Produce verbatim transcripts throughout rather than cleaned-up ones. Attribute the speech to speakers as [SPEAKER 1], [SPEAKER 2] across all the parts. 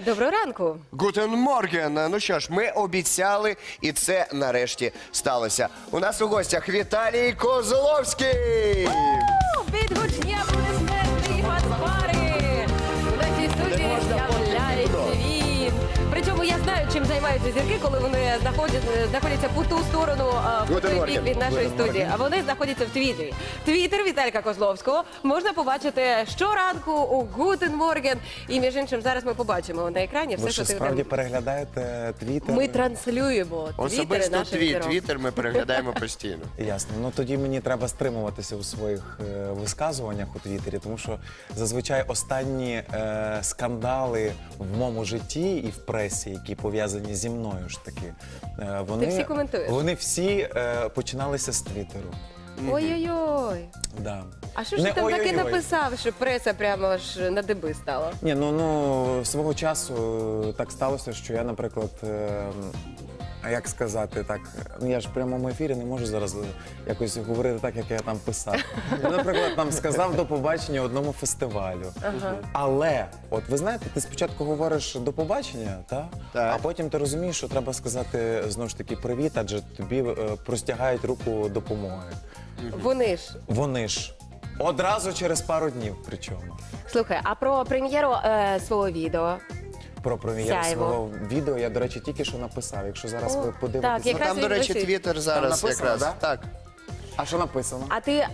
[SPEAKER 1] Доброго ранку.
[SPEAKER 2] Гутен Морген. Ну що ж, ми обіцяли, і це нарешті сталося. У нас у гостях Віталій Козловський.
[SPEAKER 1] Під гучні аплодисменти і фанфари. У нашій студії з'являється він. Причому я знаю, чим займаються зірки, коли вони знаходять, знаходяться по ту сторону, а, по
[SPEAKER 2] Гутен
[SPEAKER 1] той
[SPEAKER 2] Морген.
[SPEAKER 1] бік від нашої
[SPEAKER 2] Гутен
[SPEAKER 1] студії. А вони знаходяться в Твіттері. Твіттер Віталіка Козловського можна побачити щоранку у Гутен Морген. І, між іншим, зараз ми побачимо на екрані все,
[SPEAKER 3] Ви
[SPEAKER 1] що
[SPEAKER 3] що,
[SPEAKER 1] ти
[SPEAKER 3] справді
[SPEAKER 1] там...
[SPEAKER 3] переглядаєте твіттер?
[SPEAKER 1] Ми транслюємо твіттери
[SPEAKER 2] Особисто
[SPEAKER 1] наших
[SPEAKER 2] твій
[SPEAKER 1] зірок.
[SPEAKER 2] твіттер ми переглядаємо постійно.
[SPEAKER 3] Ясно. Ну тоді мені треба стримуватися у своїх е, висказуваннях у Твіттері, тому що зазвичай останні е, скандали в моєму житті і в пресі, які пов'язані зі мною ж таки, е, вони,
[SPEAKER 1] всі коментуєш?
[SPEAKER 3] вони всі е, починалися з Твіттеру.
[SPEAKER 1] Ой-ой-ой.
[SPEAKER 3] Да.
[SPEAKER 1] А що ж
[SPEAKER 3] Не
[SPEAKER 1] ти там таки
[SPEAKER 3] ой-ой-ой.
[SPEAKER 1] написав, що преса прямо ж на диби стала?
[SPEAKER 3] Ні, ну, ну свого часу е, так сталося, що я, наприклад, е, а як сказати так, ну я ж в прямому ефірі не можу зараз е, якось говорити так, як я там писав. Я, наприклад, там сказав до побачення одному фестивалю.
[SPEAKER 1] Ага.
[SPEAKER 3] Але, от ви знаєте, ти спочатку говориш до побачення, та?
[SPEAKER 2] Так.
[SPEAKER 3] А потім ти розумієш, що треба сказати знову ж таки привіт, адже тобі е, простягають руку допомоги.
[SPEAKER 1] Вони ж.
[SPEAKER 3] Вони ж одразу через пару днів причому.
[SPEAKER 1] Слухай, а про прем'єру е, свого відео?
[SPEAKER 3] Про прем'єру
[SPEAKER 1] Сяйво.
[SPEAKER 3] свого відео я, до речі, тільки що написав. Якщо зараз
[SPEAKER 1] О,
[SPEAKER 3] ви
[SPEAKER 1] так,
[SPEAKER 3] подивитеся.
[SPEAKER 2] Ну,
[SPEAKER 1] Якраз
[SPEAKER 2] там,
[SPEAKER 1] він
[SPEAKER 2] до речі,
[SPEAKER 1] висить.
[SPEAKER 2] твіттер зараз
[SPEAKER 3] Там написано,
[SPEAKER 2] якраз.
[SPEAKER 3] да?
[SPEAKER 2] Так.
[SPEAKER 3] А що написано?
[SPEAKER 1] А ти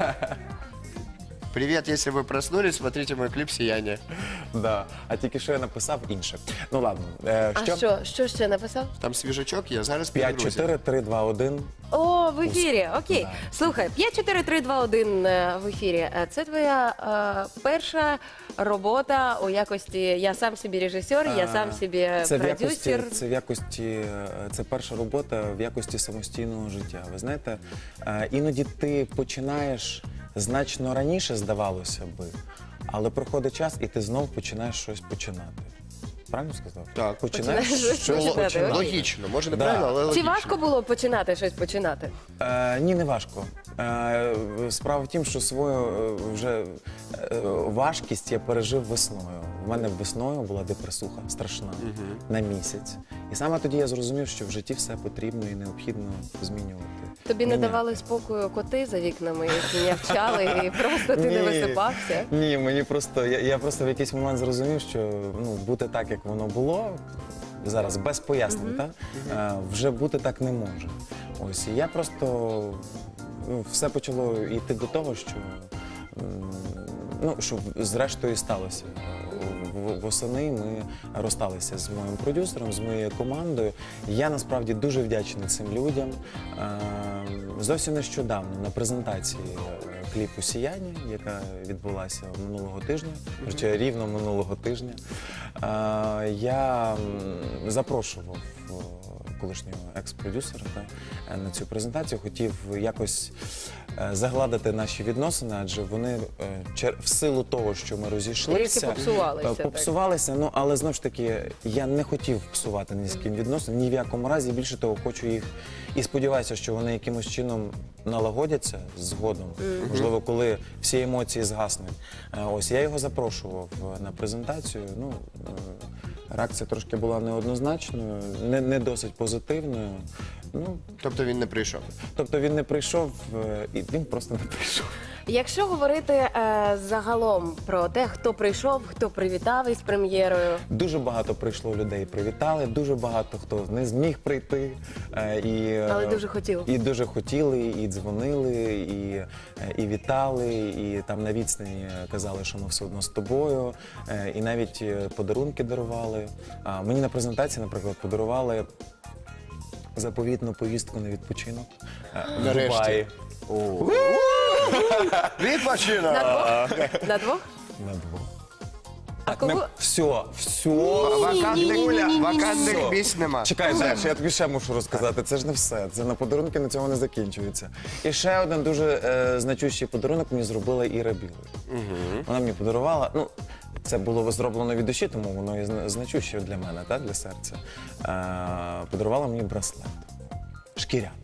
[SPEAKER 2] Привіт, якщо ви проснулись, смотрите мой кліп «Сияння».
[SPEAKER 3] Да. А тільки що я написав інше. Ну ладно. Е,
[SPEAKER 1] а
[SPEAKER 3] що?
[SPEAKER 1] що? Що ще написав?
[SPEAKER 2] Там свіжачок є, зараз
[SPEAKER 3] п'ять,
[SPEAKER 2] підгрузимо.
[SPEAKER 3] чотири, три, два, один.
[SPEAKER 1] О, в ефірі. Окей.
[SPEAKER 3] Да.
[SPEAKER 1] Слухай, п'ять чотири три два один е, в ефірі. Е, Це твоя е, перша робота у якості я сам собі режисер, я сам собі
[SPEAKER 3] Це в якості,
[SPEAKER 1] продюсер.
[SPEAKER 3] це в якості, е, це перша робота в якості самостійного життя. Ви знаєте, е, іноді ти починаєш значно раніше, здавалося би, але проходить час і ти знов починаєш щось починати. Правильно сказав?
[SPEAKER 2] Так.
[SPEAKER 1] Починаєш щось починати,
[SPEAKER 2] Ло-
[SPEAKER 1] окей.
[SPEAKER 2] Логічно, може
[SPEAKER 3] Да.
[SPEAKER 2] неправильно, але
[SPEAKER 1] Чи
[SPEAKER 2] логічно.
[SPEAKER 1] важко було починати щось починати?
[SPEAKER 3] Е, ні, не важко. Е, справа в тім, що свою е, вже е, важкість я пережив весною. У мене весною була депресуха страшна на місяць. І саме тоді я зрозумів, що в житті все потрібно і необхідно змінювати.
[SPEAKER 1] Тобі не
[SPEAKER 3] Міняти.
[SPEAKER 1] давали спокою коти за вікнами, які нявчали, і просто ти не
[SPEAKER 3] Ні.
[SPEAKER 1] висипався?
[SPEAKER 3] Ні, мені просто я, я просто в якийсь момент зрозумів, що ну бути так, як воно було. Зараз без пояснень, та е, вже бути так не може. Ось і я просто ну, все почало йти до того, що м, ну що зрештою і сталося. В- Восени ми розсталися з моїм продюсером, з моєю командою. Я насправді дуже вдячний цим людям. Е, Зовсім нещодавно на презентації е, кліпу «Сіяння», яка відбулася минулого тижня, хоча рівно минулого тижня, е, я м, запрошував е, колишнього екс-продюсера та, е, на цю презентацію, хотів якось е, загладити наші відносини, адже вони е, чер- в силу того, що ми розійшлися,
[SPEAKER 1] Трішки попсувалися,
[SPEAKER 3] е,
[SPEAKER 1] так.
[SPEAKER 3] попсувалися, ну але знову ж таки я не хотів псувати ні з ким відносини, ні в якому разі. Більше того, хочу їх і сподіваюся, що вони якимось чином налагодяться згодом. Можливо, коли всі емоції згаснуть. Е, Ось я його запрошував е, на презентацію. Ну е, реакція трошки була неоднозначною, не, не досить позитивною. Ну
[SPEAKER 2] Тобто він не прийшов.
[SPEAKER 3] тобто він не прийшов, е, і він просто не прийшов.
[SPEAKER 1] Якщо говорити е, загалом про те, хто прийшов, хто привітав із прем'єрою,
[SPEAKER 3] Дуже багато прийшло людей, привітали, дуже багато хто не зміг прийти. е, І, е,
[SPEAKER 1] Але дуже хотів.
[SPEAKER 3] І дуже хотіли, і дзвонили, і, е, і вітали, і там на відстані казали, що ми все одно з тобою, е, і навіть е, подарунки дарували. А мені на презентації, наприклад, подарували заповітну поїздку на відпочинок е, в
[SPEAKER 2] Нарешті.
[SPEAKER 3] Дубаї.
[SPEAKER 2] Відпочинок!
[SPEAKER 1] на двох? На двох?
[SPEAKER 3] На двох.
[SPEAKER 1] А
[SPEAKER 3] Так,
[SPEAKER 1] кого?
[SPEAKER 3] ми... Все, все.
[SPEAKER 2] Вакантних, вакантних
[SPEAKER 3] Все.
[SPEAKER 2] місць нема.
[SPEAKER 3] Чекай, Саш, я тобі ще мушу розказати. Це ж не все. Це на подарунки на цьому не закінчується. І ще один дуже е, значущий подарунок мені зробила Іра Білий. Вона мені подарувала. Ну, це було зроблено від душі, тому воно і зна- значуще для мене, та, для серця. Е, подарувала мені браслет. Шкіряний.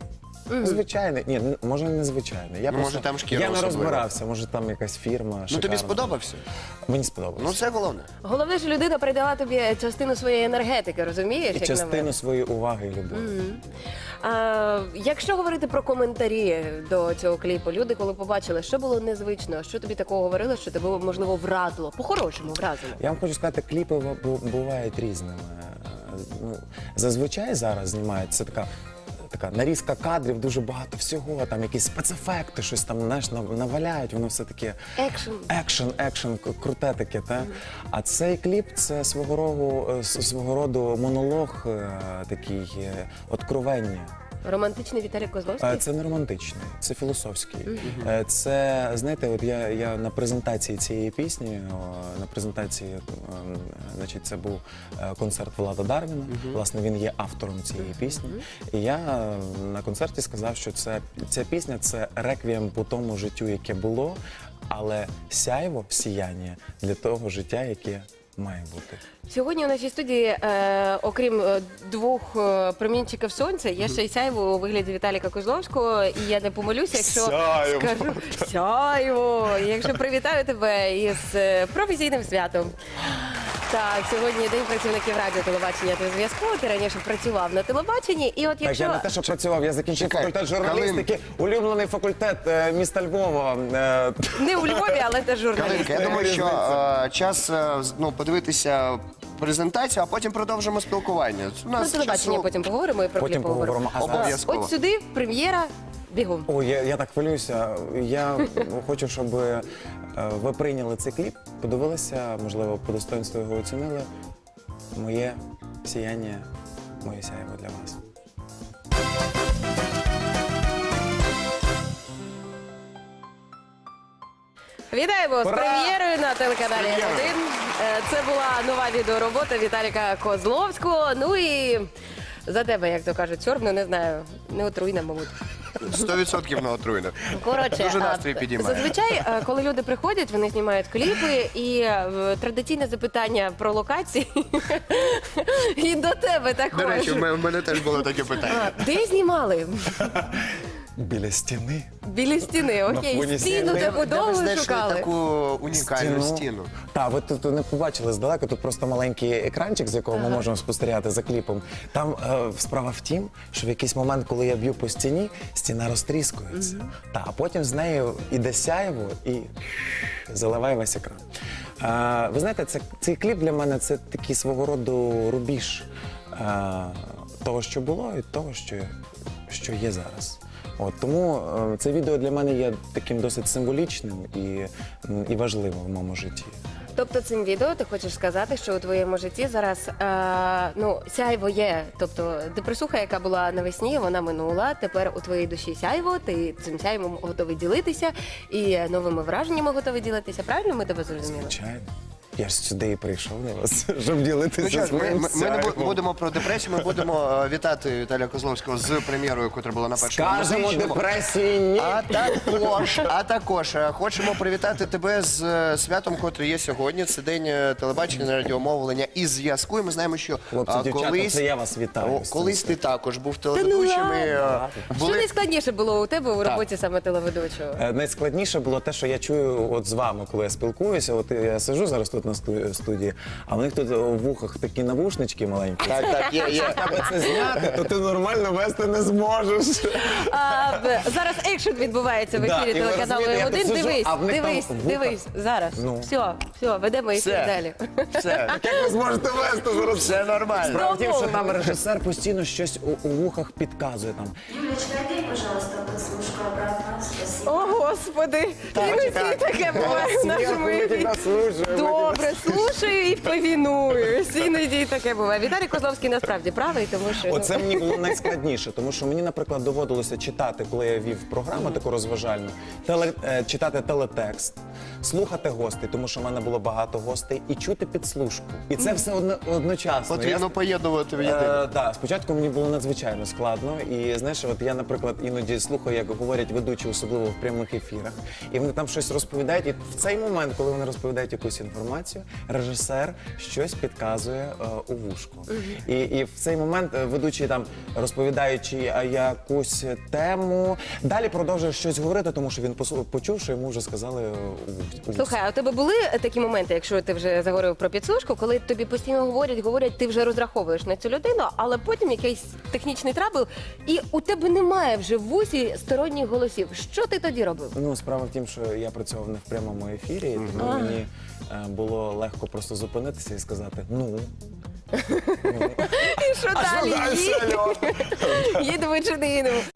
[SPEAKER 3] Звичайний. Ні, н- може не звичайний. Я
[SPEAKER 2] Ну,
[SPEAKER 3] просто,
[SPEAKER 2] може, там шкіра
[SPEAKER 3] я не
[SPEAKER 2] особлива.
[SPEAKER 3] розбирався, може там якась фірма.
[SPEAKER 2] Ну
[SPEAKER 3] шикарна.
[SPEAKER 2] тобі сподобався?
[SPEAKER 3] Мені сподобалося.
[SPEAKER 2] Ну це головне.
[SPEAKER 1] Головне, що людина передала тобі частину своєї енергетики, розумієш?
[SPEAKER 3] І
[SPEAKER 1] як на
[SPEAKER 3] частину
[SPEAKER 1] мене?
[SPEAKER 3] своєї уваги і любові.
[SPEAKER 1] А, якщо говорити про коментарі до цього кліпу, люди, коли побачили, що було незвично, що тобі такого говорили, що тебе можливо вразило, по-хорошому вразило.
[SPEAKER 3] Я вам хочу сказати, кліпи бу- бувають різними. Е, Ну, зазвичай зараз знімають це така. Така нарізка кадрів, дуже багато всього, там якісь спецефекти, щось там знаєш, нав- наваляють, воно все таке
[SPEAKER 1] Екшн.
[SPEAKER 3] екшен, екшен, к- круте таке. Та? А цей кліп це свого роду, е, с- свого роду монолог, е, такий е, откровення.
[SPEAKER 1] Романтичний Віталій Козловський?
[SPEAKER 3] Е, Це не романтичний, це філософський. Е, Це, знаєте, от я, я на презентації цієї пісні, о, на презентації, ем, значить, це був е, концерт Влада Дарвіна. Власне, він є автором цієї пісні. І я е, на концерті сказав, що це, ця пісня це реквієм по тому життю, яке було, але сяйво, сіяння для того життя, яке має бути.
[SPEAKER 1] Сьогодні у нашій студії, е, окрім е, двох е, промінчиків сонця, є ще й сяйво у вигляді Віталіка Козловського. І я не помилюся, якщо
[SPEAKER 3] Сяйво.
[SPEAKER 1] скажу сяйво, і якщо привітаю тебе із е, професійним святом. Так, сьогодні день працівників радіо, телебачення та зв'язку. Ти раніше працював на телебаченні, і от
[SPEAKER 3] Так,
[SPEAKER 1] якщо
[SPEAKER 3] я не те, що працював, я закінчив
[SPEAKER 2] Чекай,
[SPEAKER 3] факультет журналістики, улюблений факультет е, міста Львова. е,
[SPEAKER 1] не у Львові, але теж журналіст.
[SPEAKER 2] Калинка, я думаю, що е, час е, з- ну, подивитися презентацію, а потім продовжимо спілкування. У
[SPEAKER 1] Про
[SPEAKER 2] нас
[SPEAKER 1] телебачення
[SPEAKER 2] часу-
[SPEAKER 1] потім поговоримо і про
[SPEAKER 3] Потім
[SPEAKER 1] кліп поговоримо.
[SPEAKER 3] поговоримо. А зараз-
[SPEAKER 2] Обов'язково.
[SPEAKER 1] От сюди прем'єра бігом.
[SPEAKER 3] Ой, я, я так хвилююся. Я хочу, щоб е, ви прийняли цей кліп, подивилися, можливо, по достоинству його оцінили. Моє сіяння, моє сяйво для вас.
[SPEAKER 1] Вітаємо з
[SPEAKER 3] Ура!
[SPEAKER 1] прем'єрою на телеканалі
[SPEAKER 2] З
[SPEAKER 1] Н
[SPEAKER 2] прем'єрою.
[SPEAKER 1] один. Е, Це була нова відеоробота Віталіка Козловського. Ну і за тебе, як то кажуть, сьорбну, не знаю, не отруйна, мабуть.
[SPEAKER 2] сто відсотків на отруйне.
[SPEAKER 1] Коротше,
[SPEAKER 2] Дуже
[SPEAKER 1] а,
[SPEAKER 2] настрій підіймає.
[SPEAKER 1] зазвичай, е, коли люди приходять, вони знімають кліпи, і е, традиційне запитання про локації. І до тебе також.
[SPEAKER 2] До речі, в мене- в мене теж було таке питання.
[SPEAKER 1] А, Де знімали?
[SPEAKER 3] Біля стіни.
[SPEAKER 1] Біля стіни, окей.
[SPEAKER 3] фоні
[SPEAKER 1] Стіну
[SPEAKER 3] стіни.
[SPEAKER 1] таку
[SPEAKER 2] Де ви
[SPEAKER 1] довго
[SPEAKER 2] знайшли
[SPEAKER 1] шукали.
[SPEAKER 2] таку унікальну стіну?
[SPEAKER 3] Так, ви тут не побачили здалека, тут просто маленький екранчик, з якого ми можемо спостерігати за кліпом. Там е, справа в тім, що в якийсь момент, коли я б'ю по стіні, стіна розтріскується. Та, а потім з нею іде сяйво і заливає весь екран. Е, ви знаєте, це, цей кліп для мене це такий свого роду рубіж е, того, що було, і того, що, що є зараз. От, тому е, це відео для мене є таким досить символічним і, м, і важливим в моєму житті.
[SPEAKER 1] Тобто цим відео ти хочеш сказати, що у твоєму житті зараз е, ну, сяйво є. Тобто депресуха, яка була навесні, вона минула. Тепер у твоїй душі сяйво, ти цим сяйвом готовий ділитися і новими враженнями готовий ділитися. Правильно ми тебе зрозуміли?
[SPEAKER 3] Звичайно. Я ж сюди і прийшов на вас, щоб ділитися
[SPEAKER 2] Ну що ж, ми,
[SPEAKER 3] своїм
[SPEAKER 2] ми, ми не бу-
[SPEAKER 3] сяйвом.
[SPEAKER 2] будемо про депресію, ми будемо е, вітати Віталія Козловського з прем'єрою, яка була на першому
[SPEAKER 3] Скажемо
[SPEAKER 2] музичному.
[SPEAKER 3] депресії ні.
[SPEAKER 2] А також, а також е, хочемо привітати тебе з е, святом, котре є сьогодні. Це день е, телебачення, радіомовлення і зв'язку. І ми знаємо, що
[SPEAKER 3] Хлопці,
[SPEAKER 2] а,
[SPEAKER 3] дівчата,
[SPEAKER 2] колись,
[SPEAKER 3] це я вас вітаю
[SPEAKER 2] о,
[SPEAKER 3] з
[SPEAKER 2] колись
[SPEAKER 3] цим
[SPEAKER 2] ти також був
[SPEAKER 1] ну
[SPEAKER 2] телеведучим. і, е,
[SPEAKER 1] ладно. Що
[SPEAKER 2] були...
[SPEAKER 1] найскладніше було у тебе у роботі саме телеведучого?
[SPEAKER 3] Е, Найскладніше було те, що я чую от з вами, коли я спілкуюся. От я сижу зараз тут на сту- студії, а в них тут у вухах такі навушнички маленькі.
[SPEAKER 2] Так, так, є, є.
[SPEAKER 3] Аби це зняти, то ти нормально вести не зможеш.
[SPEAKER 1] А, б- зараз екшн відбувається в
[SPEAKER 3] Да,
[SPEAKER 1] ефірі
[SPEAKER 3] і ви
[SPEAKER 1] телеканалу
[SPEAKER 3] розумієте, я
[SPEAKER 1] М один.
[SPEAKER 3] тут сиджу,
[SPEAKER 1] Дивись,
[SPEAKER 3] а в них там
[SPEAKER 1] дивись,
[SPEAKER 3] вуха.
[SPEAKER 1] дивись, зараз.
[SPEAKER 3] Ну.
[SPEAKER 1] Все, все, ведемо ефір
[SPEAKER 2] Все.
[SPEAKER 1] далі.
[SPEAKER 2] Все,
[SPEAKER 3] Як ви зможете вести зараз?
[SPEAKER 2] все нормально.
[SPEAKER 3] Справа в тім, що там режисер постійно щось у, у вухах підказує. Там.
[SPEAKER 4] Юлечка, одень, пожалуйста, подслушку обратно. Спасибо.
[SPEAKER 1] О, Господи, іноді таке буває в нашому
[SPEAKER 3] Ми
[SPEAKER 1] ефірі.
[SPEAKER 3] тебе слухаємо.
[SPEAKER 1] Добре, слушаю і повінуюсь. Іноді таке буває. Віталій Козловський насправді правий, тому що ну,
[SPEAKER 3] Оце мені було найскладніше, тому що мені, наприклад, доводилося читати, коли я вів програму таку розважальну, теле, е, читати телетекст. слухати гостей, тому що в мене було багато гостей, і чути підслужку. І це все одно, одночасно. Я
[SPEAKER 2] Потрібно поєднувати в єдине.
[SPEAKER 3] Е, да, спочатку мені було надзвичайно складно. І знаєш, от я, наприклад, іноді слухаю, як говорять ведучі, особливо в прямих ефірах, і вони там щось розповідають. І в цей момент, коли вони розповідають якусь інформацію, режисер щось підказує е, у вушку. І, і в цей момент е, ведучий там розповідаючи а, якусь тему, далі продовжує щось говорити, тому що він посу- почув, що йому вже сказали е, у вушку.
[SPEAKER 1] Слухай, а у тебе були такі моменти, якщо ти вже заговорив про підслужку, коли тобі постійно говорять, говорять, ти вже розраховуєш на цю людину, але потім якийсь технічний трабл, і у тебе немає вже в вусі сторонніх голосів. Що ти тоді робив?
[SPEAKER 3] Ну, справа в тім, що я працював не в прямому ефірі, тому мені е, було легко просто зупинитися і сказати ну.
[SPEAKER 1] І що далі? Ї- Їдемо чи не їдемо?